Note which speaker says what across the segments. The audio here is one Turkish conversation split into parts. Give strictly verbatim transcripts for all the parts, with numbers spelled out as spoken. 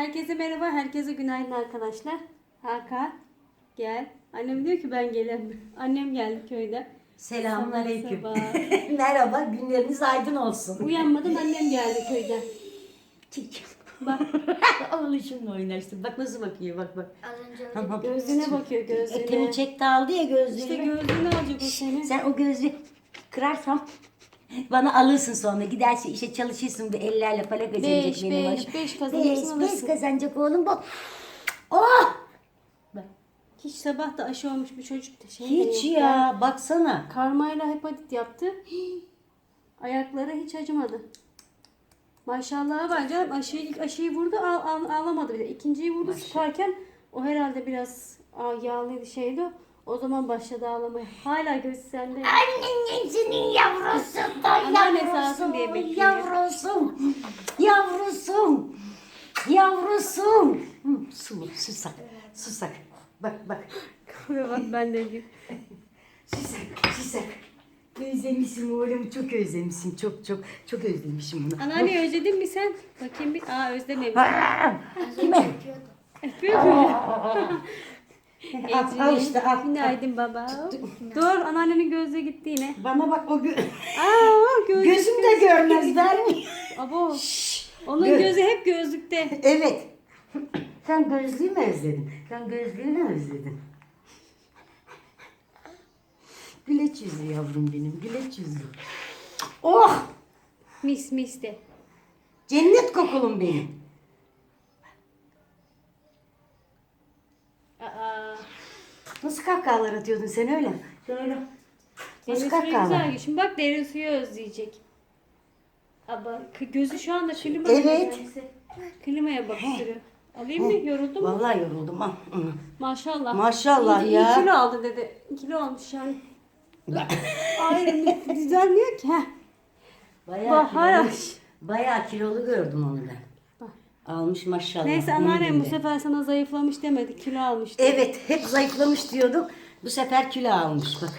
Speaker 1: Herkese merhaba, herkese günaydın arkadaşlar. Hakan, gel. Annem diyor ki ben gelemiyorum. Annem geldi köyden.
Speaker 2: Selamünaleyküm.
Speaker 1: Sabah sabah.
Speaker 2: Merhaba, günleriniz aydın olsun.
Speaker 1: Uyanmadan annem geldi köyden. Bak,
Speaker 2: Oğluşumla oynaştım. Bak nasıl bakıyor, bak bak.
Speaker 3: Az önce öyle
Speaker 2: Tamam.
Speaker 1: gözüne bakıyor, gözüne.
Speaker 2: Etemi çekti aldı ya gözlüğünü.
Speaker 1: İşte gözlüğünü alacak o seni.
Speaker 2: Sen o gözlüğü kırarsam bana alırsın sonra. Gidersin işe çalışırsın bir ellerle para kazanacak
Speaker 1: Beş,
Speaker 2: benim
Speaker 1: beş,
Speaker 2: başım.
Speaker 1: beş kazanırsın,
Speaker 2: Beş, beş
Speaker 1: alırsın.
Speaker 2: kazanacak oğlum bak. Oh! Bak.
Speaker 1: Hiç sabah da aşı olmuş bir çocuk da şey de
Speaker 2: Hiç
Speaker 1: yok
Speaker 2: ya, baksana.
Speaker 1: Karmayla hepatit yaptı. Ayakları hiç acımadı. Maşallah var canım. Aşıyı, ilk aşıyı vurdu al, al, ağlamadı bile. İkinciyi vurdu sıkarken o herhalde biraz aa, yağlıydı şeydi o. O zaman başladı ağlamaya. Hala gözü sende.
Speaker 2: Annenin senin yavrusu da
Speaker 1: Anneanne sağ olsun
Speaker 2: yavrusun,
Speaker 1: diye bekliyor.
Speaker 2: yavrusum, yavrusum, yavrusum. Hı, Su, susak, susak. Bak bak,
Speaker 1: Bak ben de gibi.
Speaker 2: susak, susak. Özlemişim oğlum, çok özlemişim, çok çok çok özlemişim bunu.
Speaker 1: Anneanne özledin mi sen? Bakayım bir. Aa özlememiş.
Speaker 2: Kime?
Speaker 3: yapıyordu.
Speaker 1: Öpüyor mu?
Speaker 2: Al, al işte al.
Speaker 1: Günaydın baba. Dur anneannenin gözü gitti yine.
Speaker 2: Bana bak o gö
Speaker 1: Aa gözlük.
Speaker 2: gözüm de görmez der mi?
Speaker 1: Abo. Onun
Speaker 2: Gö-
Speaker 1: gözü hep gözlükte.
Speaker 2: Evet. Sen gözlüğü mü özledin? Sen gözlüğü mü özledin? Güleç yüzü yavrum benim, güleç yüzü. Oh!
Speaker 1: Mis mis de.
Speaker 2: Cennet kokulum benim.
Speaker 1: Aa.
Speaker 2: Nasıl kahkahalar atıyordun sen öyle? Şöyle.
Speaker 1: Derin
Speaker 2: Nasıl
Speaker 1: suyu
Speaker 2: kahkahalar?
Speaker 1: güzel. Şimdi bak derin suyu özleyecek. Ama k- gözü şu anda klima.
Speaker 2: Evet.
Speaker 1: Klimaya bakıyor. Alayım mı? Yoruldun mu?
Speaker 2: Vallahi yoruldum ha. Hı.
Speaker 1: Maşallah.
Speaker 2: Maşallah
Speaker 1: İyi-
Speaker 2: ya.
Speaker 1: İyi kilo aldı dedi. Kilo almış yani. Ay düzenliyor ki. Heh.
Speaker 2: Bayağı
Speaker 1: Bahar.
Speaker 2: kilolu, bayağı kilolu gördüm onu ben.
Speaker 1: Bak.
Speaker 2: Almış maşallah.
Speaker 1: Neyse
Speaker 2: onun
Speaker 1: anneannem bu
Speaker 2: gibi.
Speaker 1: sefer sana zayıflamış demedi. Kilo almış dedi.
Speaker 2: Evet, hep zayıflamış diyorduk. Bu sefer kilo almış bak.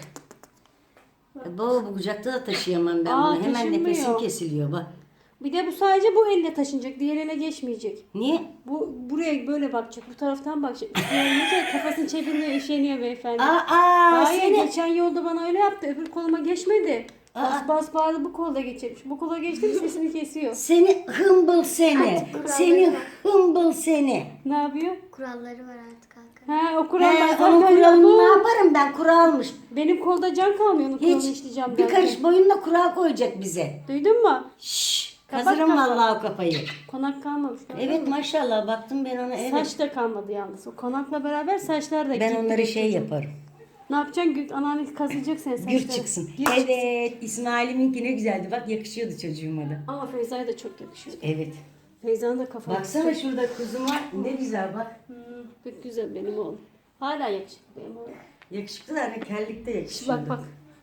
Speaker 2: Baba bu kucakta da taşıyamam ben
Speaker 1: Aa,
Speaker 2: bunu. Hemen
Speaker 1: taşınmıyor.
Speaker 2: nefesim kesiliyor bak.
Speaker 1: Bir de bu sadece bu elle taşınacak. Diğer ele geçmeyecek.
Speaker 2: Niye?
Speaker 1: Bu buraya böyle bakacak. Bu taraftan bakacak. Üstüne kafasını çeviriyor, üşeniyor beyefendi.
Speaker 2: Aa, aa
Speaker 1: Hayır
Speaker 2: seni.
Speaker 1: geçen yolda bana öyle yaptı. Öbür koluma geçmedi. Bas
Speaker 2: Aa.
Speaker 1: bas bağırdı bu kolda geçirmiş. Bu kola geçti mi sesini kesiyor.
Speaker 2: Seni hımbıl seni.
Speaker 3: kuralları
Speaker 2: Seni
Speaker 3: var.
Speaker 2: hımbıl seni.
Speaker 1: Ne yapıyor?
Speaker 3: Kuralları var artık Hakan.
Speaker 1: Ha o kurallar
Speaker 2: He,
Speaker 1: zaten
Speaker 2: onun kuralını
Speaker 1: yok.
Speaker 2: ne yaparım ben? Kuralmış.
Speaker 1: Benim kolda can kalmıyor onun kuralını
Speaker 2: Hiç.
Speaker 1: işleyeceğim
Speaker 2: Bir
Speaker 1: derken.
Speaker 2: karış boyunla kural koyacak bize.
Speaker 1: Duydun mu?
Speaker 2: Şşş.
Speaker 1: Kapat
Speaker 2: Kazırım
Speaker 1: kapat.
Speaker 2: vallahi o kafayı.
Speaker 1: Konak kalmamış. gördün
Speaker 2: Evet
Speaker 1: mü?
Speaker 2: maşallah baktım ben ona evet.
Speaker 1: Saç da kalmadı yalnız. O konakla beraber saçlar da
Speaker 2: Ben
Speaker 1: gitti.
Speaker 2: onları şey yaparım.
Speaker 1: Ne yapacaksın? Gül, anneanne kazıyacak senin saçları.
Speaker 2: Gür çıksın.
Speaker 1: Gür çıksın.
Speaker 2: Evet İsmail'iminki ne güzeldi. Bak yakışıyordu çocuğuma da.
Speaker 1: Ama Feyza'ya da çok yakışıyor.
Speaker 2: Evet.
Speaker 1: Feyza'nın da kafası.
Speaker 2: Baksana şurada kuzum var. Ne güzel bak.
Speaker 1: Hmm, pek güzel benim oğlum. Hala yakışıklı benim oğlum.
Speaker 2: Yakışıklı da hani kellikte
Speaker 1: Şu
Speaker 2: yakışıyordu.
Speaker 1: bak bak.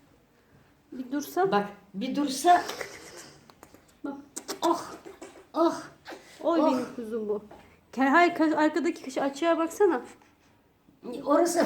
Speaker 1: Bir dursa.
Speaker 2: Bak bir dursa.
Speaker 1: Bak.
Speaker 2: Oh. Oh.
Speaker 1: Oy
Speaker 2: Oh.
Speaker 1: benim kuzum bu. Ke- Hayır ka- arkadaki kişi açığa baksana.
Speaker 2: Orası.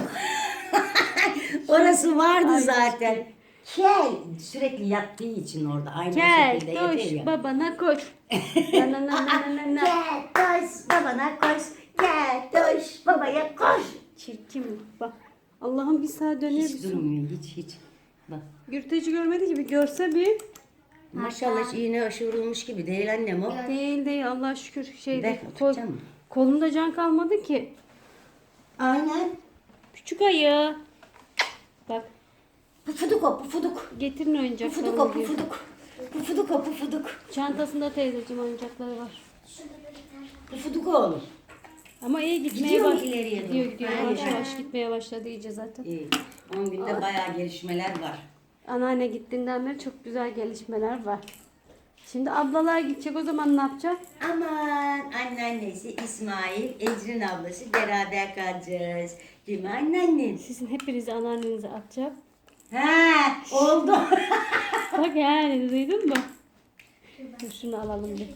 Speaker 2: Orası vardı
Speaker 1: Ay,
Speaker 2: zaten. Kel. Sürekli yattığı için orada. Aynı
Speaker 1: Gel
Speaker 2: şekilde yatıyor
Speaker 1: koş
Speaker 2: ya.
Speaker 1: babana koş. na na na na na na.
Speaker 2: Gel koş babana koş. Gel koş babaya koş.
Speaker 1: Çirkin bu. Bak. Allah'ım bir sağa döner
Speaker 2: Hiç
Speaker 1: misin?
Speaker 2: durmuyor hiç hiç. Bak.
Speaker 1: Gürteci görmedi gibi görse bir.
Speaker 2: Maşallah hiç iğne aşı vurulmuş gibi değil annem o.
Speaker 1: Değil değil Allah'a şükür şeyde.
Speaker 2: Ver,
Speaker 1: Kol,
Speaker 2: tutacağım mı?
Speaker 1: kolumda can kalmadı ki.
Speaker 2: Aynen.
Speaker 1: Küçük ayı. Bak
Speaker 2: Pufuduk o pufuduk.
Speaker 1: getirin
Speaker 2: Pufuduk o
Speaker 1: oyuncaklarını diyor.
Speaker 2: pufuduk. Pufuduk o pufuduk.
Speaker 1: Çantasında teyzeciğim oyuncakları var.
Speaker 2: Pufuduk oğlum.
Speaker 1: Ama iyi gitmeye
Speaker 2: Gidiyor mu
Speaker 1: baş-
Speaker 2: ileriye doğru?
Speaker 1: Gidiyor gidiyor.
Speaker 2: Ha,
Speaker 1: Yavaş
Speaker 2: iyi.
Speaker 1: yavaş gitmeye başladı iyice zaten.
Speaker 2: İyi. on günde bayağı gelişmeler var.
Speaker 1: Anneanne gittiğinden beri çok güzel gelişmeler var. Şimdi ablalar gidecek o zaman ne yapacak?
Speaker 2: Aman anneannesi İsmail, Ecrin ablası beraber kalacağız. Değil mi anneannem?
Speaker 1: Sizin hepinizi anneannenize atacak.
Speaker 2: Ha oldu.
Speaker 1: Bak yani duydun mu? Dur şunu alalım bir.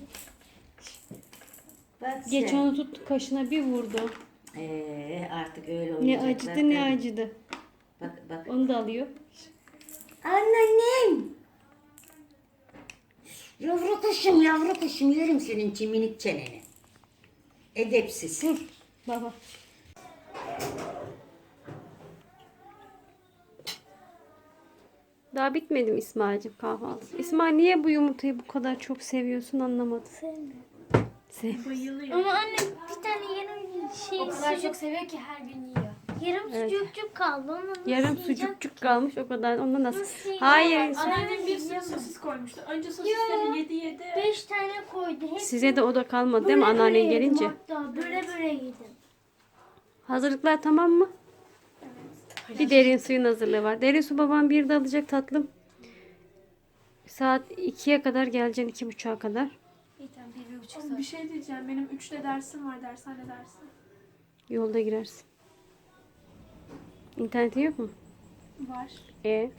Speaker 2: Bak
Speaker 1: Geç
Speaker 2: sen.
Speaker 1: onu tuttu kaşına bir vurdu.
Speaker 2: Ee, artık öyle
Speaker 1: Ne
Speaker 2: olacaklar.
Speaker 1: acıdı ne
Speaker 2: tabii.
Speaker 1: acıdı.
Speaker 2: Bak bak.
Speaker 1: Onu da alıyor.
Speaker 2: Anneannem. Yavru kuşum yavru kuşum yerim senin çiminik çeneni. Edepsiz.
Speaker 1: Baba. Daha bitmedi mi İsmail'cim kahvaltı? İsmail niye bu yumurtayı bu kadar çok seviyorsun anlamadım.
Speaker 3: Sevmiyorum.
Speaker 1: Sev.
Speaker 4: Bayılıyor.
Speaker 3: Ama anne bir tane yarım şey
Speaker 4: O kadar çok seviyor ki her gün yiyor.
Speaker 3: yarım
Speaker 1: Evet.
Speaker 3: sucukcuk kaldı. Onu nasıl
Speaker 1: Yarım
Speaker 3: yiyeceğim?
Speaker 1: sucukcuk kalmış o kadar. Ondan nasıl?
Speaker 3: Nasıl yiyeceğim?
Speaker 1: Hayır.
Speaker 4: Anneannem bir sürü sosis koymuştu. Önce sosisleri yedi yedi.
Speaker 3: Beş tane koydu. Hep
Speaker 1: Size de o da kalmadı değil mi
Speaker 3: böyle
Speaker 1: anneannen
Speaker 3: böyle yedim
Speaker 1: gelince?
Speaker 3: Hatta böyle böyle yedim.
Speaker 1: Hazırlıklar tamam mı? Bir derin suyun hazırlığı var. Derin su babam bir de alacak tatlım. Saat ikiye kadar geleceksin. iki buçuğa kadar.
Speaker 4: Bir tane bir, bir buçuk saat. Bir şey diyeceğim. Benim üçte dersim var. Dershane dersi.
Speaker 1: Yolda girersin. İnternetin yok mu?
Speaker 4: Var.
Speaker 1: E.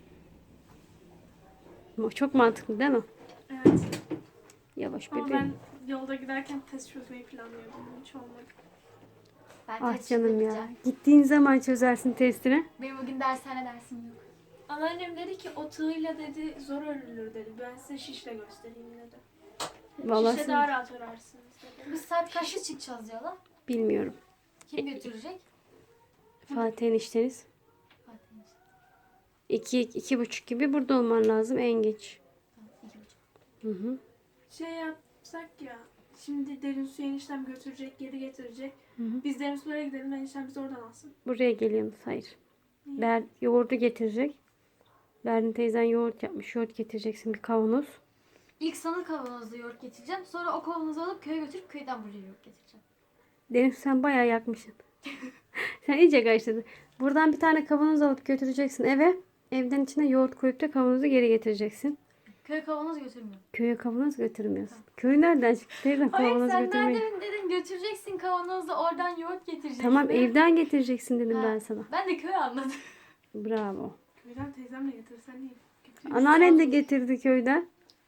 Speaker 1: Çok mantıklı değil mi?
Speaker 4: Evet.
Speaker 1: Yavaş
Speaker 4: Ama
Speaker 1: bebeğim.
Speaker 4: ben yolda giderken test çözmeyi planlıyordum. Hiç olmadı.
Speaker 5: Ben
Speaker 1: Ah
Speaker 5: test
Speaker 1: canım ya.
Speaker 5: çözemeyeceğim.
Speaker 1: Gittiğin zaman çözersin testini.
Speaker 5: Benim bugün dershane dersim yok.
Speaker 4: Anneannem dedi ki o tığıyla dedi zor örülür dedi. Ben size şişle göstereyim dedi.
Speaker 1: Vallahi
Speaker 4: Şişle
Speaker 1: sen-
Speaker 4: daha rahat örersiniz dedi.
Speaker 5: Biz saat kaçta çıkacağız yola?
Speaker 1: Bilmiyorum.
Speaker 5: Kim götürecek?
Speaker 1: Fatih enişteniz.
Speaker 5: Fatih işte.
Speaker 1: İki, iki buçuk gibi burada olman lazım en geç.
Speaker 5: Tamam, iki buçuk.
Speaker 1: Hı hı.
Speaker 4: Şey yapsak ya. Şimdi derin suyu eniştem götürecek, geri getirecek.
Speaker 1: Hı hı.
Speaker 4: Biz derin sulara gidelim, eniştem bizi oradan alsın.
Speaker 1: Buraya geliyorsunuz. Hayır. Ber, yoğurdu getirecek. Berrin teyzen yoğurt yapmış. Yoğurt getireceksin bir kavanoz.
Speaker 5: İlk sana kavanozda yoğurt getireceğim. Sonra o kavanozu alıp köye götürüp köyden buraya yoğurt getireceğim.
Speaker 1: Deniz sen bayağı yakmışsın. Sen iyice kaçtın. Buradan bir tane kavanoz alıp götüreceksin eve. Evden içine yoğurt koyup da kavanozu geri getireceksin.
Speaker 5: Köye kavanoz götürmüyorum.
Speaker 1: Köye kavanoz götürmüyorsun. Köy nereden çıktı? Teyzem
Speaker 5: Hayır
Speaker 1: kavanoz
Speaker 5: sen
Speaker 1: götürmeyi.
Speaker 5: nereden dedin götüreceksin kavanozda oradan yoğurt getireceksin.
Speaker 1: Tamam
Speaker 5: dedim.
Speaker 1: evden getireceksin dedim
Speaker 5: Ha.
Speaker 1: ben sana.
Speaker 5: Ben de köy anladım.
Speaker 1: Bravo.
Speaker 4: Köyden teyzemle getirsen iyi. Götüreyim.
Speaker 1: Anneannen de getirdi köyden.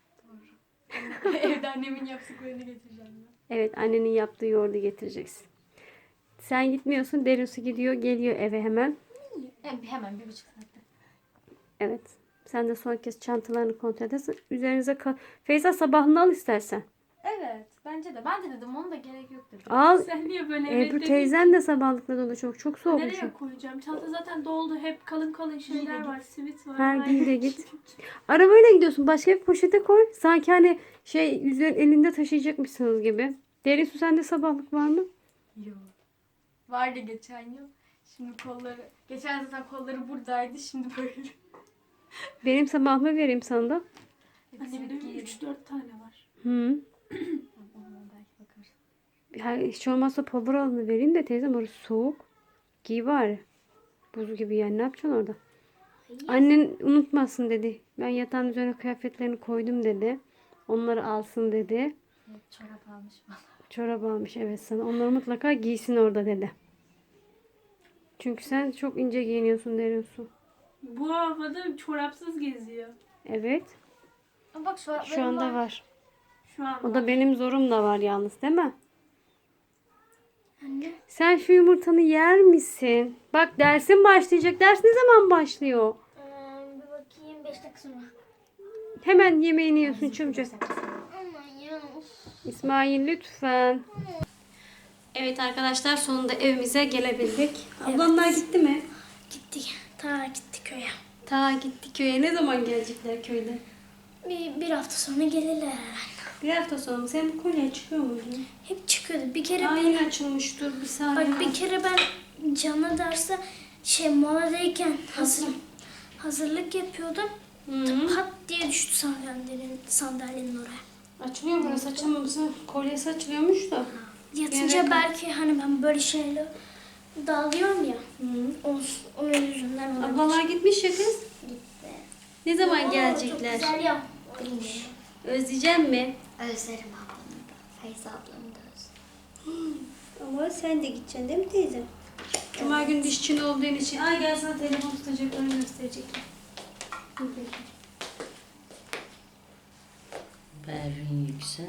Speaker 5: Evde annemin yaptıklarını getireceğim ben.
Speaker 1: Evet annenin yaptığı yoğurdu getireceksin. Sen gitmiyorsun. Derin su gidiyor geliyor eve hemen.
Speaker 5: Hem, hemen bir buçuk saatte.
Speaker 1: Evet. Sen de son kez çantalarını kontrol edersin. Üzerinize kal. Feyza sabahını al istersen.
Speaker 5: Evet bence de. Ben de dedim onun da gerek yok dedim.
Speaker 1: Al.
Speaker 4: Sen niye böyle evet
Speaker 1: Ebru
Speaker 4: dedin?
Speaker 1: teyzen de sabahlıkla dolu çok. Çok soğukmuş.
Speaker 4: Nereye koyacağım? Çanta zaten doldu. Hep kalın kalın şeyler var. Sivit var.
Speaker 1: Her
Speaker 4: Aynen.
Speaker 1: giy de git. Arabayla gidiyorsun. Başka bir poşete koy. Sanki hani şey üzerine elinde taşıyacakmışsınız gibi. Derin su sende sabahlık var mı?
Speaker 5: Yok. Vardı geçen yıl. Şimdi kolları, geçen zaten kolları buradaydı. Şimdi böyle.
Speaker 1: Benim sabahlığımı vereyim sana da.
Speaker 4: Annemde
Speaker 5: Hepsini giyelim.
Speaker 4: üç dört tane var.
Speaker 1: Hı.
Speaker 5: Ondan belki bakarız.
Speaker 1: Ya hiç olmazsa pulver alını vereyim de teyzem orası soğuk. Giy bari. Buz gibi yani ne yapacaksın orada? Annen unutmasın dedi. Ben yatağın üzerine kıyafetlerini koydum dedi. Onları alsın dedi.
Speaker 5: Evet, çorap almış bana.
Speaker 1: Çorap almış evet sana. Onları mutlaka giysin orada dedi. Çünkü sen çok ince giyiniyorsun derin su.
Speaker 4: Bu havada çorapsız geziyor.
Speaker 1: Evet.
Speaker 5: Ama bak çoraplarım
Speaker 1: Şu anda
Speaker 5: var.
Speaker 1: var.
Speaker 4: Şu an.
Speaker 1: O da benim zorum da var yalnız değil mi?
Speaker 3: Anne.
Speaker 1: Sen şu yumurtanı yer misin? Bak dersin başlayacak. Ders ne zaman başlıyor?
Speaker 3: Ee, bir bakayım beş dakika sonra.
Speaker 1: Hemen yemeğini yiyorsun çımcık.
Speaker 3: Aman ya. Of.
Speaker 1: İsmail lütfen. Evet arkadaşlar sonunda evimize gelebildik. Ablanlar gitti mi?
Speaker 3: Gittik. Ta gittik köye.
Speaker 1: Ta gitti köye. Ne zaman gelecekler köyde?
Speaker 3: Bir, bir hafta sonra gelirler herhalde.
Speaker 1: Bir hafta sonra. Sen bu kolye çıkıyor muydu?
Speaker 3: Hep çıkıyordu. Bir kere
Speaker 1: Aa,
Speaker 3: ben,
Speaker 1: yeni açılmıştır bir saniye.
Speaker 3: bak bir kere ben canlı derse şey moladayken hazır, hazırlık yapıyordum.
Speaker 1: Hı-hı.
Speaker 3: Pat diye düştü sandalyenin, sandalyenin oraya.
Speaker 1: Açılıyor burası açılmaması. Kolyesi açılıyormuş da.
Speaker 3: Yatınca
Speaker 1: Yere-
Speaker 3: belki hani ben böyle şeyle dağılıyorum ya.
Speaker 1: Hı.
Speaker 3: O, o yüzünden olabilir.
Speaker 1: Ablalar gitmiş ya kız.
Speaker 3: Gitti.
Speaker 1: Ne zaman
Speaker 3: Oo,
Speaker 1: gelecekler?
Speaker 3: Çok güzel yapmış.
Speaker 1: Özleyeceğim mi?
Speaker 3: Özlerim ablamı da. Feyza ablamı da özlerim.
Speaker 1: Ama sen de gideceksin değil mi teyzem? Cuma günü dişçin olduğun için. Ay gel sana telefon tutacaklarını gösterecekler. Hı, peki.
Speaker 2: Berrin Yüksel.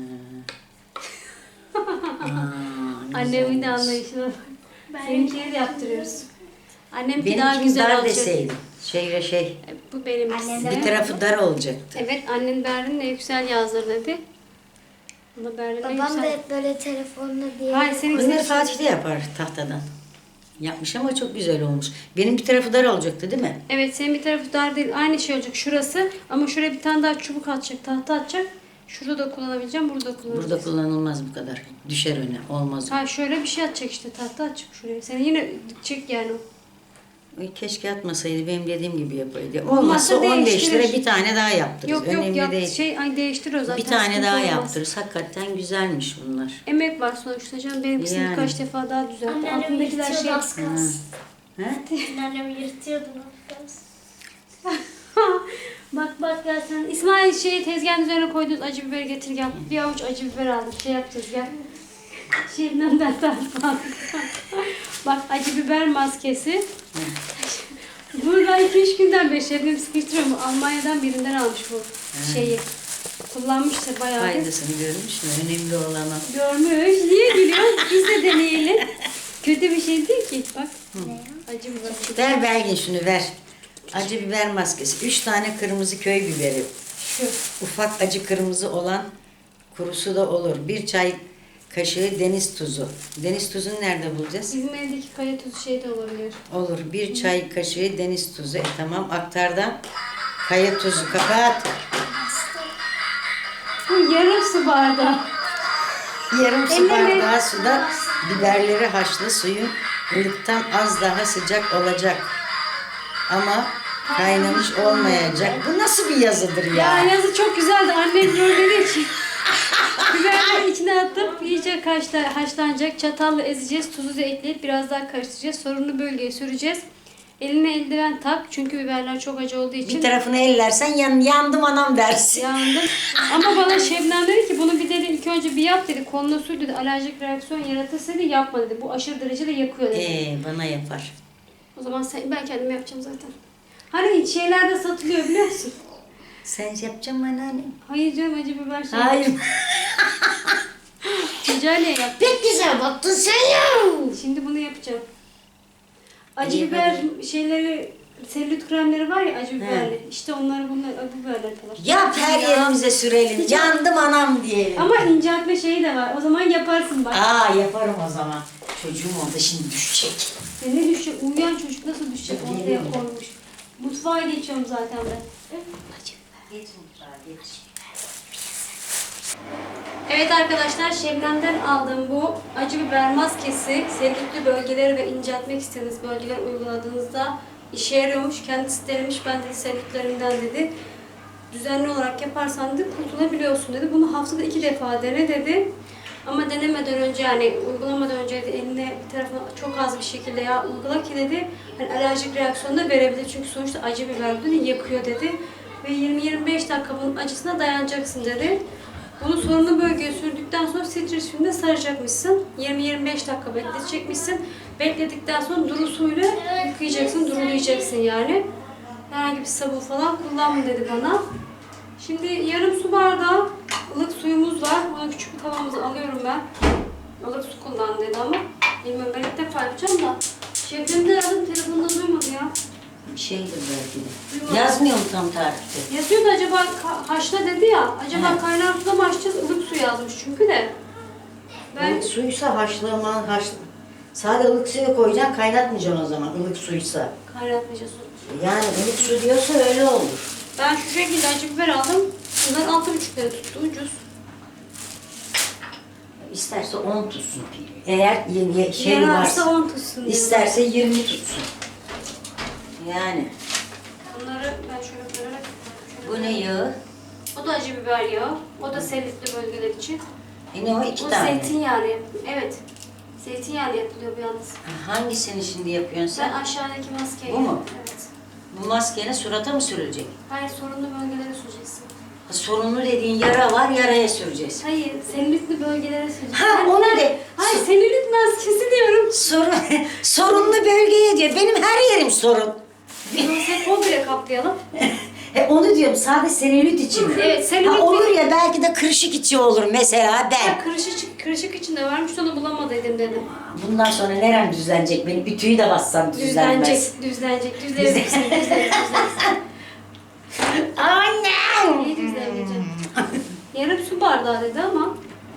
Speaker 2: Ha. Aa,
Speaker 1: Annemin de
Speaker 2: güzelmiş.
Speaker 1: anlayışına bak. Seninkileri de yaptırıyoruz. Annemki daha
Speaker 2: Benimkini
Speaker 1: güzel
Speaker 2: dar
Speaker 1: olacak.
Speaker 2: deseydin. Şöyle şey.
Speaker 1: Bu benim.
Speaker 3: Annem de-
Speaker 2: Bir tarafı dar olacaktı.
Speaker 1: Evet annen Berrin'le Yüksel yazdır dedi. Bunu Berlin'e
Speaker 3: Babam da
Speaker 1: yükselt.
Speaker 3: hep böyle telefonla diye.
Speaker 1: Hayır senin
Speaker 2: Bunları
Speaker 1: senin-
Speaker 2: Fatih de yapar tahtadan. Yapmış ama çok güzel olmuş. Benim bir tarafı dar olacaktı değil mi?
Speaker 1: Evet senin bir tarafı dar değil. Aynı şey olacak şurası. Ama şuraya bir tane daha çubuk atacak. Tahta atacak. Şurada da kullanabileceğim. Burada da kullanacağım.
Speaker 2: Burada kullanılmaz bu kadar. Düşer öne. Olmaz.
Speaker 1: Ha şöyle bir şey atacak işte. Tahta atacak şuraya. Seni yine dikecek yani.
Speaker 2: Ay, keşke atmasaydı. Benim dediğim gibi yapaydı.
Speaker 1: Olmazsa
Speaker 2: Olmazsa on beş
Speaker 1: değiştirir.
Speaker 2: lira bir tane daha yaptırırız.
Speaker 1: Yok yok
Speaker 2: Önemli
Speaker 1: yap,
Speaker 2: değil.
Speaker 1: şey ay değiştiriyor zaten.
Speaker 2: Bir tane
Speaker 1: sıkıntı
Speaker 2: daha
Speaker 1: olmaz.
Speaker 2: yaptırırız. Hakikaten güzelmiş bunlar.
Speaker 1: Emek var sonuçta canım. Benimkisini
Speaker 2: Yani.
Speaker 1: birkaç defa daha düzeltti.
Speaker 3: Anneannem
Speaker 1: Altındakiler
Speaker 3: yırtıyordu
Speaker 1: şey...
Speaker 3: az kalsın.
Speaker 2: He?
Speaker 3: Anneannem yırtıyordu az kalsın.
Speaker 1: Bak bak gel sen. İsmail şeyi tezgahın üzerine koyduğunuz acı biber getir gel. Bir avuç acı biber aldık. Şey yapacağız gel. Şebnem'den tartma. Bak acı biber maskesi. Burada iki üç günden beri Şebnem sıkıştırıyor mu? Almanya'dan birinden almış bu şeyi. Kullanmıştır bayağı. bir.
Speaker 2: Faydasını görmüş mü? Önemli olan o.
Speaker 1: Görmüş. Niye gülüyorsun? Biz de deneyelim. Kötü bir şey değil ki. Bak. Acı biber.
Speaker 2: Ver Belgin şunu ver. Acı biber maskesi. Üç tane kırmızı köy biberi.
Speaker 1: Şu.
Speaker 2: Ufak acı kırmızı olan kurusu da olur. Bir çay kaşığı deniz tuzu. Deniz tuzunu nerede bulacağız?
Speaker 1: Bizim evdeki kaya tuzu şey de olabilir.
Speaker 2: Olur. Bir çay kaşığı deniz tuzu. E tamam aktardan kaya tuzu. Kapat.
Speaker 1: Bu yarım su bardağı.
Speaker 2: Yarım su
Speaker 1: Ellemeyin.
Speaker 2: bardağı suda biberleri haşla, suyun ılıktan az daha sıcak olacak. Ama kaynamış olmayacak. Bu nasıl bir yazıdır
Speaker 1: Ya
Speaker 2: ya?
Speaker 1: yazı çok güzeldi. Annem böyle dedi ki. Biberleri içine atıp iyice haşla, haşlanacak. Çatalla ezeceğiz. Tuzu da ekleyip biraz daha karıştıracağız. Sorunlu bölgeye süreceğiz. Eline eldiven tak. Çünkü biberler çok acı olduğu için.
Speaker 2: Bir tarafını ellersen yan, yandım anam dersin.
Speaker 1: Yandım. Ama bana Şebnem dedi ki bunu bir dedi ilk önce bir yap dedi. Koluna sür dedi. Alerjik reaksiyon yaratırsa dedi yapma dedi. Bu aşırı derecede yakıyor dedi.
Speaker 2: Ee, bana yapar.
Speaker 1: O zaman sen, ben kendim yapacağım zaten. Hani şeylerde satılıyor biliyor musun?
Speaker 2: Sen yapacaksın mı anneannem?
Speaker 1: Hayır canım acı biber şey.
Speaker 2: Hayır.
Speaker 1: Ticariye yap.
Speaker 2: Pek güzel baktın sen ya.
Speaker 1: Şimdi bunu yapacağım. Acı
Speaker 2: İyi,
Speaker 1: biber şeyleri, selülit kremleri var ya acı biberli. İşte onları bunlar acı biberler yapıyorlar.
Speaker 2: Yap her yerimize sürelim. Yandım anam diyelim.
Speaker 1: Ama inceltme şeyi de var. O zaman yaparsın bak.
Speaker 2: Aa yaparım o zaman. Çocuğum orada şimdi düşecek.
Speaker 1: Ya ne düşecek? Uyuyan çocuk nasıl düşecek? Ortaya
Speaker 2: Geliyorum.
Speaker 1: konmuş. Mutfağa geçiyorum zaten ben.
Speaker 2: Geç mutfağa geç.
Speaker 1: Evet arkadaşlar Şebnem'den aldığım bu acı biber maskesi selülitli bölgeleri ve inceltmek istediğiniz bölgeler uyguladığınızda işe yarıyormuş. Kendisi denemiş ben de selülitlerimden dedi. Düzenli olarak yaparsan dedi kurtulabiliyorsun dedi. Bunu haftada iki defa dene dedi. Ama denemeden önce yani uygulamadan önce de eline bir tarafına çok az bir şekilde yağ uygula ki dedi. Hani alerjik reaksiyon da verebilir çünkü sonuçta acı biber dedi yakıyor dedi. Ve yirmi yirmi beş dakika bunun acısına dayanacaksın dedi. Bunu sorunlu bölgeye sürdükten sonra streç filmde saracakmışsın. yirmi yirmi beş dakika bekletecekmişsin. Bekledikten sonra duru suyla yıkayacaksın, durulayacaksın yani. Herhangi bir sabun falan kullanma dedi bana. Şimdi yarım su bardağı ılık suyumuz var. Bunu küçük bir tavamıza alıyorum ben. Ilık su kullan dedi ama. Bilmiyorum ben ilk defa yapacağım da. Şefim de aradım telefonda duymadı ya.
Speaker 2: Bir şeydir belki de. Yazmıyor mu tam tarifte?
Speaker 1: Yazıyordu acaba ka- haşla dedi ya. Acaba
Speaker 2: He.
Speaker 1: kaynar suda mı haşlayacağız? Ilık su yazmış çünkü de. Ben
Speaker 2: Ilık suysa haşlama, haş... Sadece ılık suya koyacaksın, kaynatmayacaksın o zaman ılık suysa.
Speaker 1: kaynatmayacağız.
Speaker 2: Yani ılık su diyorsa öyle olur.
Speaker 1: Ben şu şekilde acı biber aldım. Bunlar altı buçuk lira tuttu ucuz.
Speaker 2: İsterse on tutsun. Eğer yeni şey
Speaker 1: Yararsa
Speaker 2: varsa,
Speaker 1: on tutsun diyorum.
Speaker 2: isterse yirmi tutsun. Yani.
Speaker 1: Bunları ben şöyle koyarak...
Speaker 2: Bu ne yağı?
Speaker 1: O da acı biber yağı. O da selülitli bölgeler için.
Speaker 2: E ne o iki
Speaker 1: O
Speaker 2: tane?
Speaker 1: zeytinyağı. Evet. Zeytinyağlı yapılıyor bir yalnız.
Speaker 2: Hangisini şimdi yapıyorsun
Speaker 1: Ben
Speaker 2: sen?
Speaker 1: aşağıdaki maskeyi...
Speaker 2: Bu mu?
Speaker 1: Evet.
Speaker 2: Bu maskeyle surata mı sürülecek?
Speaker 1: Hayır sorunlu bölgelere süreceksin.
Speaker 2: Ha, sorunlu dediğin yara var, yaraya süreceğiz.
Speaker 1: Hayır selülitli bölgelere süreceksin.
Speaker 2: Ha,
Speaker 1: Ben-
Speaker 2: onu
Speaker 1: ben-
Speaker 2: de.
Speaker 1: Hayır selülit maskesi diyorum.
Speaker 2: Sorun, sorunlu bölgeye diyor. Benim her yerim sorun.
Speaker 1: Bunu komple kaplayalım.
Speaker 2: E onu diyorum, sadece selülit için mi?
Speaker 1: Evet, selülit
Speaker 2: Ha, olur
Speaker 1: değil.
Speaker 2: ya, belki de kırışık içi olur mesela ben.
Speaker 1: Ya kırışık, kırışık içinde varmış onu bulamadıydım dedim.
Speaker 2: Bundan sonra nerem düzlenecek? Beni bir tüyü de bassam düzlenmez.
Speaker 1: Düzlenecek, düzlenecek, düzlenecek, düzlenecek, düzlenecek.
Speaker 2: Annem!
Speaker 1: İyi düzlenecek. Yarım su bardağı dedi ama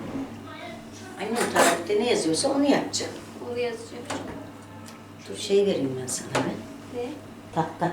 Speaker 2: Annem tarifte ne yazıyorsa onu yapacağım.
Speaker 1: Onu yazacağım.
Speaker 2: Dur şey vereyim ben sana be.
Speaker 1: Ne?
Speaker 2: Tahta.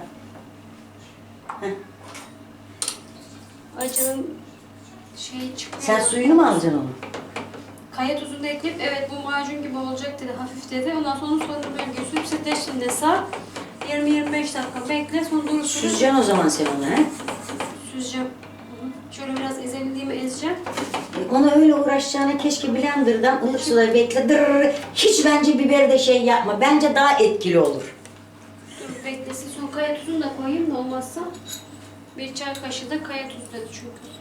Speaker 1: Acının şeyi çıkıyor.
Speaker 2: Sen suyunu mu alacaksın onu?
Speaker 1: Kaya tuzunu da ekleyip evet bu macun gibi olacak dedi. Hafif dedi. Ondan sonra sonra bölgeyi sürüp streçinde sar. yirmi yirmi beş dakika bekle. Sonra durur sürüp
Speaker 2: Süzeceksin o zaman sen onu he?
Speaker 1: süzeceğim. Hı hı. Şöyle biraz ezebildiğimi ezeceğim.
Speaker 2: E, Ona öyle uğraşacağına keşke blenderdan ılık suda bekle. Dırırır. Hiç bence biberi de şey yapma. Bence daha etkili olur.
Speaker 1: Dur beklesin. Sonra kaya tuzunu da koyayım da olmazsa. Bir çay kaşığı da kaya tuzu dedi çünkü.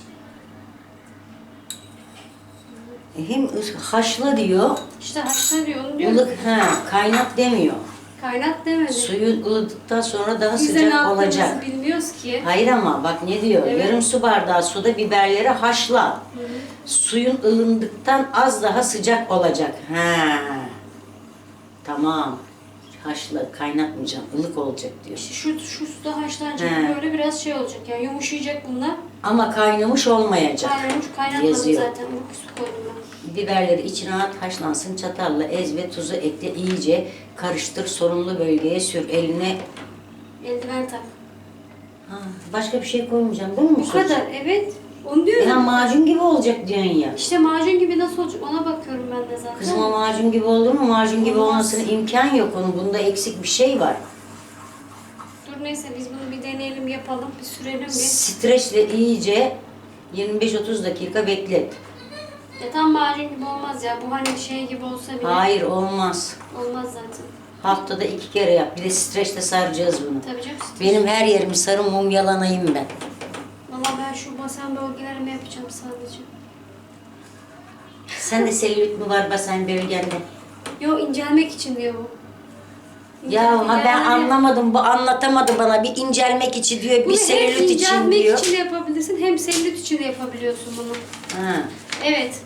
Speaker 2: E, Hem ı- haşla diyor,
Speaker 1: İşte haşla diyor onu diyor.
Speaker 2: ılık ha kaynat demiyor.
Speaker 1: Kaynat demedi.
Speaker 2: Suyu ılıdıktan sonra daha
Speaker 1: Biz de ne
Speaker 2: sıcak
Speaker 1: yaptığımızı
Speaker 2: olacak.
Speaker 1: bilmiyoruz ki.
Speaker 2: Hayır ama bak ne diyor?
Speaker 1: Evet.
Speaker 2: Yarım su bardağı suda biberleri haşla. Suyun ılındıktan az daha sıcak olacak. Ha. Tamam. Haşla, kaynatmayacağım. Ilık olacak diyor.
Speaker 1: İşte şu, şu suda haşlanacak
Speaker 2: He.
Speaker 1: böyle biraz şey olacak yani yumuşayacak bunlar.
Speaker 2: Ama kaynamış olmayacak.
Speaker 1: Kaynamış kaynatmadım
Speaker 2: Yazıyor.
Speaker 1: zaten. Ilık su koydum ben.
Speaker 2: Biberleri içine at, haşlansın. Çatalla ez ve tuzu ekle. İyice karıştır. Sorunlu bölgeye sür. Eline.
Speaker 1: Eldiven tak.
Speaker 2: Ha, başka bir şey koymayacağım değil mi?
Speaker 1: Bu kadar evet. Onu diyorum.
Speaker 2: Ya macun gibi olacak diyorsun ya.
Speaker 1: İşte macun gibi nasıl olacak ona bakıyorum ben de zaten.
Speaker 2: Kızım o macun gibi olur mu? Macun gibi
Speaker 1: Olmaz.
Speaker 2: olmasına imkan yok onun. Bunda eksik bir şey var.
Speaker 1: Dur neyse biz bunu bir deneyelim yapalım bir sürelim bir.
Speaker 2: Streçle iyice yirmi beş otuz dakika beklet.
Speaker 1: Ya tam macun gibi olmaz ya. Bu hani şey gibi olsa bile
Speaker 2: Hayır olmaz.
Speaker 1: olmaz zaten.
Speaker 2: Haftada iki kere yap. Bir de streçle saracağız bunu.
Speaker 1: Tabii canım.
Speaker 2: Benim her yerimi sarı mumyalanayım ben.
Speaker 1: Valla ben şu basen bölgelerimi yapacağım sadece.
Speaker 2: Sen de selülit mi var basen bölgende?
Speaker 1: Yo incelmek için diyor bu.
Speaker 2: Ya ha ben
Speaker 1: Yani
Speaker 2: anlamadım. Bu anlatamadı bana. Bir incelmek için diyor, bir
Speaker 1: bunu hem
Speaker 2: selülit için
Speaker 1: incelmek
Speaker 2: diyor.
Speaker 1: için de yapabilirsin hem selülit için de yapabiliyorsun bunu.
Speaker 2: Ha.
Speaker 1: Evet.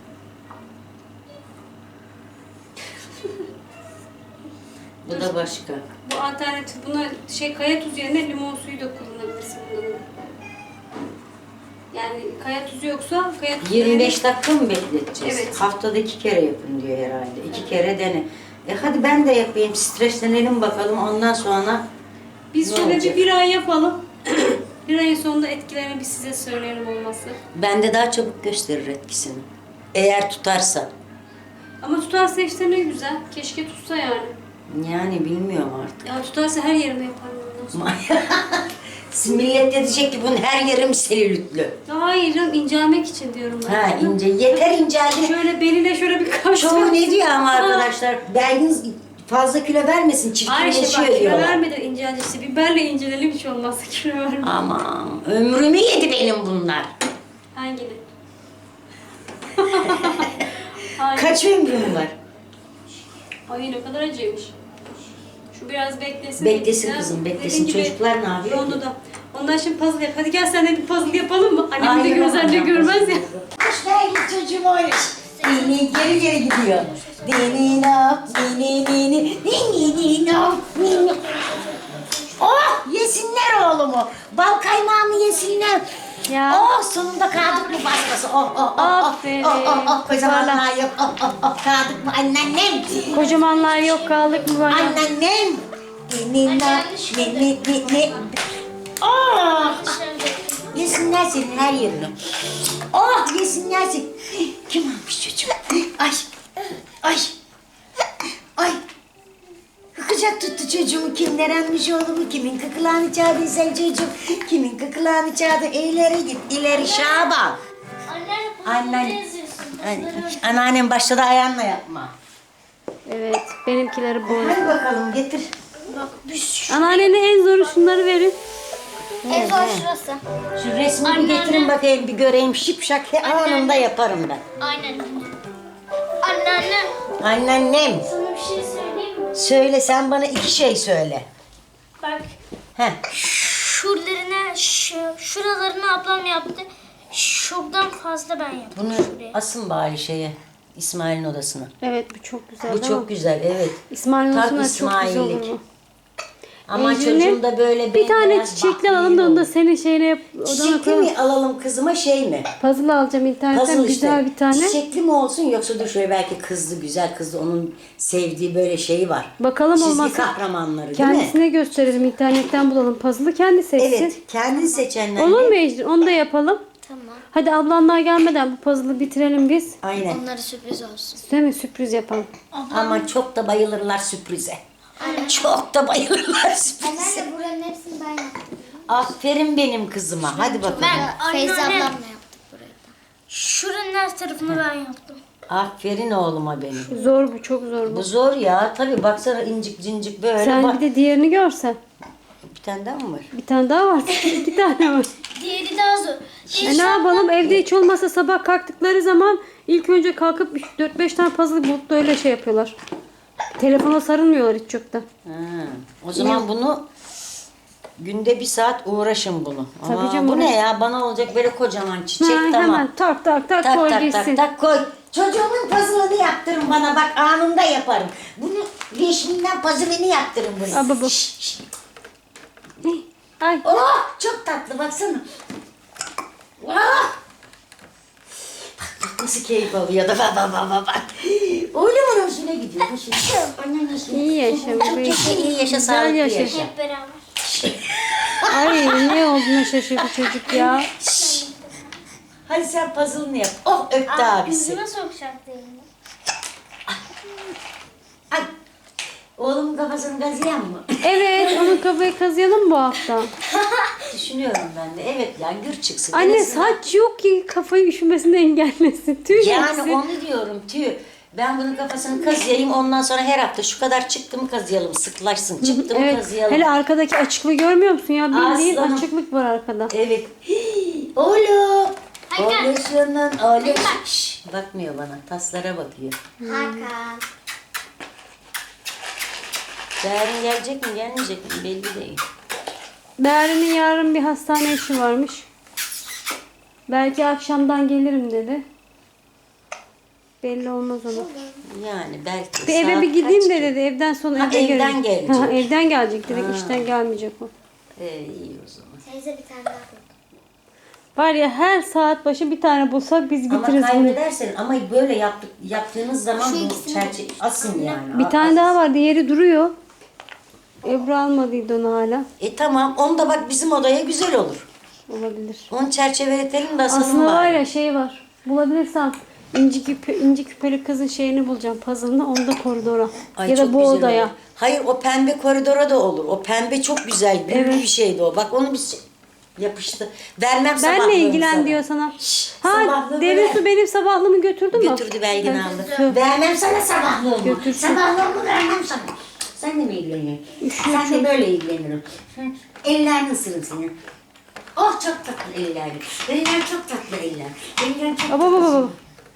Speaker 2: Bu da başka.
Speaker 1: Bu alternatif. Buna şey kaya tuzu yerine limon suyu da kullanabilirsin bunda. Yani kaya tuzu yoksa kaya tuzu
Speaker 2: yirmi beş
Speaker 1: yerine-
Speaker 2: dakika mı bekleteceğiz?
Speaker 1: Evet.
Speaker 2: Haftada iki kere yapın diyor herhalde. İki kere dene. E hadi ben de yapayım. Streçlenelim bakalım. Ondan sonra
Speaker 1: Biz
Speaker 2: ne
Speaker 1: şöyle
Speaker 2: olacak?
Speaker 1: bir bir ay yapalım. Bir ayın sonunda etkilerini biz size söyleyelim olması.
Speaker 2: bende daha çabuk gösterir etkisini. Eğer tutarsa.
Speaker 1: Ama tutarsa işte ne güzel. Keşke tutsa yani.
Speaker 2: Yani bilmiyorum artık.
Speaker 1: Ya tutarsa her yerime yaparım ondan sonra.
Speaker 2: Millet de diyecek ki bunun her yerim selülitlü.
Speaker 1: Hayır canım incelmek için diyorum ben.
Speaker 2: Ha ince. Yeter inceldi.
Speaker 1: Şöyle beline şöyle bir kaş.
Speaker 2: Çoğu ne diyor ama arkadaşlar? Belgin fazla kilo vermesin.
Speaker 1: Hayır işte bak
Speaker 2: Çirkinleşiyor
Speaker 1: kilo
Speaker 2: diyorlar.
Speaker 1: vermeden inceldi işte. Biberle incelelim hiç olmazsa kilo verme.
Speaker 2: Aman ömrümü yedi benim bunlar.
Speaker 1: Hangini? Hangi?
Speaker 2: Kaç ömrüm var?
Speaker 1: Ay ne kadar acıymış. Şu biraz beklesin.
Speaker 2: Beklesin
Speaker 1: Ya,
Speaker 2: kızım, beklesin.
Speaker 1: dediğin gibi
Speaker 2: Çocuklar ne yapıyor?
Speaker 1: Onu da. Ondan şimdi puzzle yap. Hadi gel sen de bir puzzle yapalım mı? Annem de
Speaker 2: Aynen,
Speaker 1: gözler de
Speaker 2: aynen.
Speaker 1: görmez ya.
Speaker 2: Hoş geldin çocuğum oynuş. Dini geri geri gidiyor. Dini no, dini dini, dini no, dini. Oh yesinler oğlumu. Bal kaymağımı yesinler.
Speaker 1: Ya.
Speaker 2: Oh sonunda kaldık mı baskası? Oh oh oh oh.
Speaker 1: Aferin.
Speaker 2: Oh oh oh kocamanlar yok. Oh oh oh kaldık mı anneannem?
Speaker 1: Kocamanlar yok kaldık mı bana?
Speaker 2: Anneannem. Dini no, dini dini. Oh. Yesinler senin her yerini. Oh yesinler seni. Kim almış çocuğum? Ay. Ay. Ay. Kıkacak tuttu çocuğumu. Kimler almış oğlumu? Kimin kıkılağını çağırdıysan çocuğum? Kimin kıkılağını çağırdı? İleri git. İleri Şaban.
Speaker 3: Anneanne
Speaker 2: Annen.
Speaker 3: ne yazıyorsun?
Speaker 2: Ay, Anneannem başladı ayağınla yapma.
Speaker 1: Evet benimkileri bu.
Speaker 2: Hadi bakalım getir.
Speaker 1: Anneannene en zoru şunları verin.
Speaker 3: En zor şurası.
Speaker 2: Şu resmi bir
Speaker 3: Anneanne.
Speaker 2: getirin bakayım bir göreyim. Şipşak he, anında yaparım ben.
Speaker 3: Aynen. Anneanne
Speaker 2: Anneannem.
Speaker 3: sana bir şey söyleyeyim mi?
Speaker 2: Söyle sen bana iki şey söyle.
Speaker 3: Bak
Speaker 2: Heh.
Speaker 3: şuralarına, şu, şuralarını ablam yaptı. Şuradan fazla ben yaptım
Speaker 2: Bunu
Speaker 3: şuraya.
Speaker 2: asın bari şeye. İsmail'in odasına.
Speaker 1: Evet bu çok güzel
Speaker 2: Bu
Speaker 1: değil mi?
Speaker 2: çok güzel evet.
Speaker 1: İsmail'in
Speaker 2: Tam
Speaker 1: olsun da çok güzel olur
Speaker 2: İsmail'lik.
Speaker 1: bu.
Speaker 2: Ama
Speaker 1: Ecrin'in
Speaker 2: çocuğum da böyle
Speaker 1: Bir tane
Speaker 2: bembeyaz
Speaker 1: çiçekli
Speaker 2: bak,
Speaker 1: alalım da
Speaker 2: iyi
Speaker 1: onu da
Speaker 2: olur.
Speaker 1: senin şeyine yap. Odana
Speaker 2: Çiçekli
Speaker 1: koyalım.
Speaker 2: mi alalım kızıma şey mi?
Speaker 1: Puzzle alacağım internetten
Speaker 2: Puzzle
Speaker 1: güzel
Speaker 2: işte.
Speaker 1: bir tane.
Speaker 2: Çiçekli mi olsun yoksa dur şöyle belki kızlı güzel kızlı onun sevdiği böyle şeyi var.
Speaker 1: Bakalım
Speaker 2: Çizgi
Speaker 1: olmazsa
Speaker 2: kahramanları değil mi?
Speaker 1: kendisine gösterelim. İnternetten bulalım puzzle'ı kendi seçsin.
Speaker 2: Evet kendi seçenler.
Speaker 1: Olur mu Ecrin? Onu da yapalım.
Speaker 3: Tamam.
Speaker 1: Hadi ablanlar gelmeden bu puzzle'ı bitirelim biz.
Speaker 2: Aynen.
Speaker 3: Onlara sürpriz olsun.
Speaker 1: Değil mi? Sürpriz yapalım.
Speaker 2: Ama çok da bayılırlar sürprize. Çok da bayılırlar sürprize.
Speaker 3: Anneanne buranın hepsini ben yaptım.
Speaker 2: Aferin benim kızıma. Hadi bakalım.
Speaker 3: Feyza ablamla yaptık burayı da. Şuranın her tarafını ben yaptım.
Speaker 2: Aferin oğluma benim.
Speaker 1: Zor bu, çok zor bu.
Speaker 2: Bu zor ya. Tabii baksana incik cincik böyle.
Speaker 1: Sen
Speaker 2: bak.
Speaker 1: bir de diğerini görsen.
Speaker 2: Bir tane daha mı var?
Speaker 1: Bir tane daha var. İki tane var.
Speaker 3: Diğeri daha zor.
Speaker 1: E ne yapalım? Evde hiç olmazsa sabah kalktıkları zaman ilk önce kalkıp dört beş tane puzzle bulup da öyle şey yapıyorlar. Telefona sarılmıyorlar hiç çok da.
Speaker 2: Ha, o zaman bunu günde bir saat uğraşın bunu.
Speaker 1: Tabii
Speaker 2: Ama
Speaker 1: canım,
Speaker 2: bu
Speaker 1: uğraş.
Speaker 2: ne ya? Bana olacak böyle kocaman çiçek
Speaker 1: Ha,
Speaker 2: tamam.
Speaker 1: hemen tak tak tak,
Speaker 2: Tak
Speaker 1: koy
Speaker 2: tak
Speaker 1: gitsin.
Speaker 2: tak tak koy. Çocuğumun puzzle'ını yaptırın bana bak anında yaparım. Bunu yeşiminden puzzle'ını yaptırın bunu.
Speaker 1: Aa, baba.
Speaker 2: Şş, şş.
Speaker 1: Ay.
Speaker 2: Oh çok tatlı baksana. Oh. Bak bak nasıl keyif alıyor da bak bak bak bak, bak. Oğlumun hoşuna gidiyor. Hoşuna. Annen hoşuna.
Speaker 1: İyi yaşa
Speaker 2: Çok
Speaker 1: bebeğim.
Speaker 2: yaşa, iyi yaşa,
Speaker 1: Güzel
Speaker 2: sağlıklı
Speaker 1: yaşa.
Speaker 2: yaşa.
Speaker 3: Hep beraber.
Speaker 1: Ay ne olduğuna şaşırdı çocuk ya.
Speaker 2: Hadi sen puzzle'ını yap. Oh öptü abisi.
Speaker 3: Yüzüme sokacaktı elini.
Speaker 2: Ay. Oğlumun kafasını kazıyan mı?
Speaker 1: Evet, onun kafayı kazıyalım bu hafta.
Speaker 2: Düşünüyorum ben de. Evet ya gür çıksın.
Speaker 1: Anne
Speaker 2: En azından-
Speaker 1: saç yok ki kafayı üşümesini engellesin. Tüy
Speaker 2: Yani
Speaker 1: hepsi.
Speaker 2: onu diyorum tüy. Ben bunun kafasını kazıyayım ondan sonra her hafta şu kadar çıktı mı kazıyalım sıklaşsın. Çıktı mı
Speaker 1: Evet.
Speaker 2: kazıyalım.
Speaker 1: Hele arkadaki açıklığı görmüyor musun ya? Bildiğin
Speaker 2: Aslanım.
Speaker 1: açıklık var arkada.
Speaker 2: Evet. Oğlum.
Speaker 3: Hakan.
Speaker 2: Oğluşunun oğlum. Şşş, bakmıyor bana. Taslara bakıyor.
Speaker 3: Hakan.
Speaker 2: Yarın gelecek mi gelmeyecek mi belli değil.
Speaker 1: Değerli'nin yarın bir hastane işi varmış. Belki akşamdan gelirim dedi. Belli olmaz ona.
Speaker 2: Yani belki.
Speaker 1: Bir eve
Speaker 2: Saat
Speaker 1: bir gideyim
Speaker 2: kaç
Speaker 1: de
Speaker 2: ki?
Speaker 1: dedi. Evden sonra
Speaker 2: Ha,
Speaker 1: eve
Speaker 2: evden
Speaker 1: gelecek.
Speaker 2: gelecek.
Speaker 1: Ha, evden gelecek direkt işten gelmeyecek o.
Speaker 2: Ee, iyi o zaman.
Speaker 3: Teyze bir tane daha koy.
Speaker 1: Var ya her saat başı bir tane bulsak biz
Speaker 2: Ama
Speaker 1: bitiririz bunu.
Speaker 2: kaybedersen ama böyle yaptık, yaptığınız zaman
Speaker 3: Şu
Speaker 2: bu
Speaker 3: ikisini-
Speaker 2: çerçeve asın yani.
Speaker 1: Bir tane daha var. Diğeri duruyor. Ebru almadıydı onu hala.
Speaker 2: E tamam onu da bak bizim odaya güzel olur.
Speaker 1: Olabilir.
Speaker 2: Onu çerçeveletelim de asalım
Speaker 1: Aslında var
Speaker 2: bari.
Speaker 1: ya şey var. Bulabilirsem inci, küpe, inci küpeli kızın şeyini bulacağım. Puzzle'ını onu da koridora.
Speaker 2: Ay,
Speaker 1: ya da
Speaker 2: çok
Speaker 1: bu
Speaker 2: güzel
Speaker 1: odaya.
Speaker 2: olur. Hayır o pembe koridora da olur. O pembe çok güzel. Büyük
Speaker 1: Evet.
Speaker 2: bir şeydi o. Bak onu biz yapıştı. Vermem
Speaker 1: Benle
Speaker 2: sabahlığını
Speaker 1: ilgilen
Speaker 2: sana.
Speaker 1: diyor sana.
Speaker 2: Şşş,
Speaker 1: Ha
Speaker 2: sabahlığını
Speaker 1: derin
Speaker 2: ver.
Speaker 1: su benim sabahlığımı götürdü mü?
Speaker 2: Götürdü Belgin aldı.
Speaker 1: Tüh.
Speaker 2: Vermem sana sabahlığımı.
Speaker 1: Götürsün.
Speaker 2: Sabahlığımı vermem sana. Sen de mi ilgileniyorsun? Sen de böyle ilgilenirim. Hı, ellerini ısırın senin. Oh çok tatlı eller. Eller çok tatlı eller. Eller çok
Speaker 1: Baba baba baba.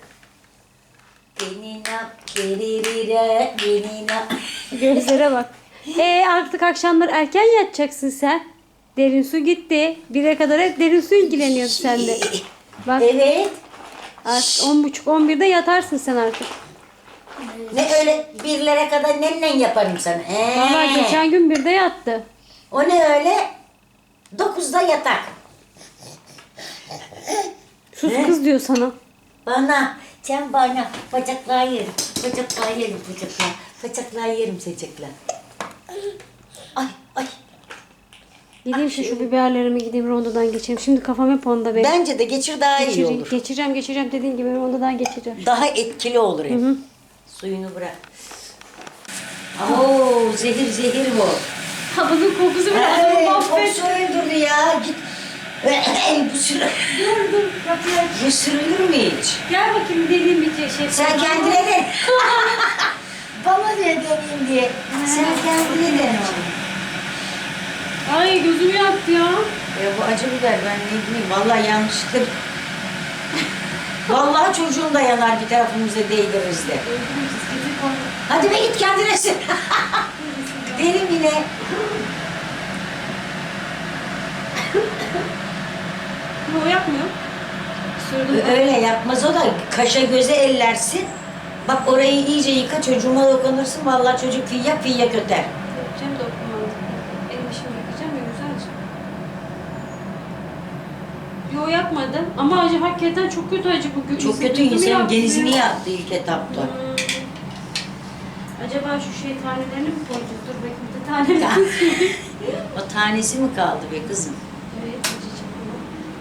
Speaker 2: Benina, keririre, benina.
Speaker 1: Gözlere bak. E artık akşamlar erken yatacaksın sen. Derin su gitti. Bire kadar hep derin su ilgileniyordu sende. Bak
Speaker 2: Evet.
Speaker 1: artık on buçuk on birde yatarsın sen artık.
Speaker 2: Ne öyle birlere kadar nenle yaparım sana. Ee,
Speaker 1: Valla geçen gün birde yattı.
Speaker 2: O ne öyle? Dokuzda yatak.
Speaker 1: Sus kız diyor sana.
Speaker 2: Bana, sen bana bacaklar yerim. Bacaklar yerim bacaklar. Bacaklar yerim bacaklar. Ay ay.
Speaker 1: Gideyim şu, şu biberlerimi gideyim rondodan geçeyim. Şimdi kafam hep onda benim.
Speaker 2: Bence de geçir daha iyi
Speaker 1: Geçireceğim,
Speaker 2: olur.
Speaker 1: geçireceğim, geçireceğim dediğin gibi rondodan geçeceğim.
Speaker 2: Daha etkili olur hem. Suyunu bırak. Oo zehir zehir bu.
Speaker 1: Havanın kokusu
Speaker 2: Ay, kokusu öldürdü ya. Git. Ey, bu sürü.
Speaker 1: Dur dur kapıyı aç.
Speaker 2: Bu sürülür mü hiç?
Speaker 1: Gel bakayım dediğim bir şey.
Speaker 2: Sen kendine de. Bana diye deneyim diye. Sen kendine de.
Speaker 1: Ay gözümü yaktı ya.
Speaker 2: Ya bu acı biber ben ne bileyim. Vallahi yanlışlıkla. Vallahi çocuğum da yanar bir tarafımıza değdiririz de. Hadi be git kendine sür. Derim yine.
Speaker 1: O yapmıyor. Sürdüm.
Speaker 2: Öyle yapmaz o da kaşa göze ellersin. Bak orayı iyice yıka çocuğuma dokunursun. Vallahi çocuk fiyya fiyya köter.
Speaker 1: Yapacağım da okumam. Yo yapmadım. Ama acı hakikaten çok kötü acı bu.
Speaker 2: Çok kötü
Speaker 1: Üzüntümü
Speaker 2: insanın
Speaker 1: yaptı.
Speaker 2: genizini yaktı ilk etapta.
Speaker 1: Hmm. Acaba şu şey tanelerini mi koyacağız? Dur bakayım bir de taneleri.
Speaker 2: O tanesi mi kaldı be kızım?
Speaker 1: Evet, acı çıkıyor.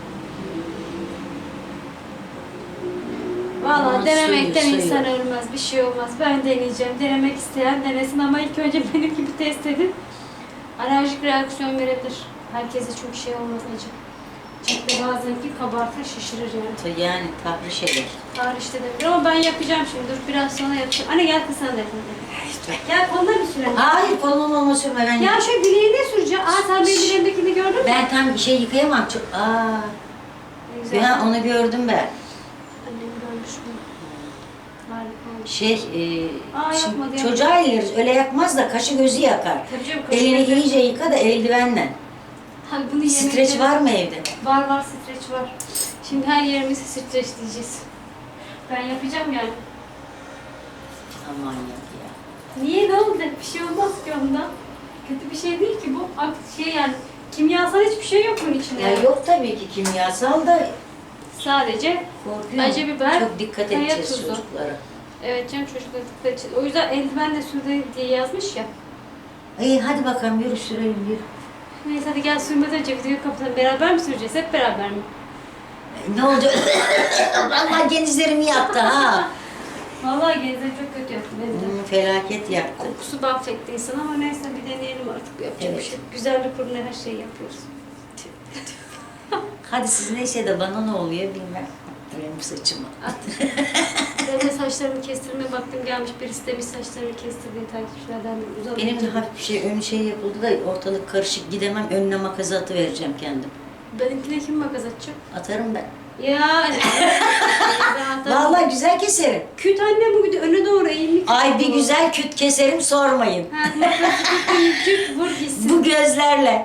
Speaker 1: Valla
Speaker 2: Aman
Speaker 1: denemekten
Speaker 2: suyu,
Speaker 1: insan
Speaker 2: suyu.
Speaker 1: ölmez. Bir şey olmaz. Ben deneyeceğim. Denemek isteyen denesin ama ilk önce benim gibi test edin. Alerjik reaksiyon verebilir. Herkese çok şey olmaz acı. Çünkü bazen ki kabartır, şişirir yani.
Speaker 2: Yani tahriş şeyler.
Speaker 1: Tarihte de bir ama ben yapacağım şimdi. Dur biraz sonra yapacağım. Anne gel kız sen de yap. Gel koluna bir sürelim.
Speaker 2: Hayır kolum olma sürme ben.
Speaker 1: Ya şu bileğine süreceğim. Aa sen benim bileğimdekini gördün mü?
Speaker 2: Ben tam bir şey yıkayamam. Çok... Aa,
Speaker 1: Ne güzel.
Speaker 2: ben onu gördüm ben.
Speaker 1: Annem görmüş bunu. Harika olmuş.
Speaker 2: Şey, e,
Speaker 1: Aa,
Speaker 2: şimdi
Speaker 1: yapmadı,
Speaker 2: çocuğa eleriz. Öyle yakmaz da kaşı gözü yakar.
Speaker 1: Tabii canım, kaşı
Speaker 2: Elini
Speaker 1: gözü-
Speaker 2: iyice yıka da eldivenle.
Speaker 1: Ha, bunu
Speaker 2: Streç
Speaker 1: yemekleri-
Speaker 2: var mı evde?
Speaker 1: Var var streç var. Şimdi her yerimizi streçleyeceğiz. Ben yapacağım yani.
Speaker 2: Aman yok ya.
Speaker 1: Niye ne oldu? Bir şey olmaz ki ondan. Kötü bir şey değil ki bu. Ak- Şey yani kimyasal hiçbir şey yok bunun içinde.
Speaker 2: Ya yok tabii ki kimyasal da
Speaker 1: Sadece
Speaker 2: korkuyorum.
Speaker 1: acı biber,
Speaker 2: Çok dikkat
Speaker 1: kaya
Speaker 2: edeceğiz
Speaker 1: tuzu.
Speaker 2: çocuklara.
Speaker 1: evet canım çocuklar dikkat edin. O yüzden eldiven de sürdü diye yazmış ya.
Speaker 2: İyi hadi bakalım yürü sürelim yürü.
Speaker 1: Neyse hadi gel sürmeden önce videoyu kapatalım. Beraber mi süreceğiz? Hep beraber mi?
Speaker 2: E, Ne oldu? Vallahi genizlerimi yaktı ha.
Speaker 1: Vallahi genizleri çok kötü yaptı beni de.
Speaker 2: Hmm, felaket yaktı.
Speaker 1: Kokusu bak çekti insan ama neyse bir deneyelim artık. Yapacak
Speaker 2: Evet.
Speaker 1: bir şey. yok. Güzellik uğruna her şeyi yapıyoruz.
Speaker 2: Hadi siz neyse de bana ne oluyor bilmem. Benim saçıma.
Speaker 1: At. Ben de saçlarımı kestirmeye baktım gelmiş birisi demiş saçlarını kestirdiğin takipçilerden de uzak.
Speaker 2: Benim de hafif bir şey, ön şey yapıldı da ortalık karışık gidemem. Önüne makası atıvereceğim kendim.
Speaker 1: Benimkine kim makas atacak?
Speaker 2: Atarım ben.
Speaker 1: Ya.
Speaker 2: Vallahi güzel keserim.
Speaker 1: Küt anne bu bir de öne doğru eğimli.
Speaker 2: Ay bir güzel küt keserim sormayın.
Speaker 1: Ha, makası küt, küt vur gitsin.
Speaker 2: Bu gözlerle.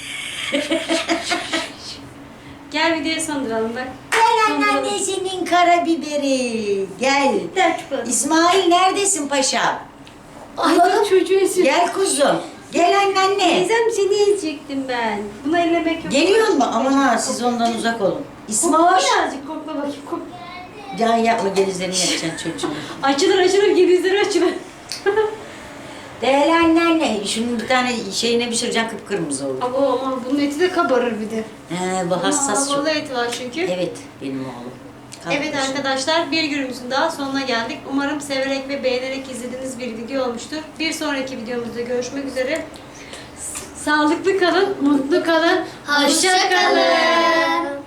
Speaker 1: Gel videoya sonduralım bak.
Speaker 2: Gel anneannesinin karabiberi. Gel.
Speaker 1: Gel çikolata.
Speaker 2: İsmail neredesin paşa?
Speaker 1: Ay dur çocuğu esiyor.
Speaker 2: Gel kuzum. Gel anneanne.
Speaker 1: Teyzem seni yiyecektim ben. Bunu ellemek yok.
Speaker 2: Geliyor mu? Aman ha siz ondan uzak olun.
Speaker 1: Kokla
Speaker 2: İsmail.
Speaker 1: birazcık kokla bakayım. Kok.
Speaker 2: Can yapma genizlerini yakacaksın çocuğum.
Speaker 1: Açılır açılır genizleri açılır.
Speaker 2: Değerli anneanne. Şunun bir tane şeyine pişireceğim kıpkırmızı olur.
Speaker 1: Ama aman bunun eti de kabarır bir de.
Speaker 2: He, bu hassas çok.
Speaker 1: Havalı eti var çünkü.
Speaker 2: Evet benim oğlum.
Speaker 1: Evet
Speaker 2: Kardeşim.
Speaker 1: arkadaşlar bir günümüzün daha sonuna geldik. Umarım severek ve beğenerek izlediğiniz bir video olmuştur. Bir sonraki videomuzda görüşmek üzere. Sağlıklı kalın, mutlu kalın, hoşça kalın.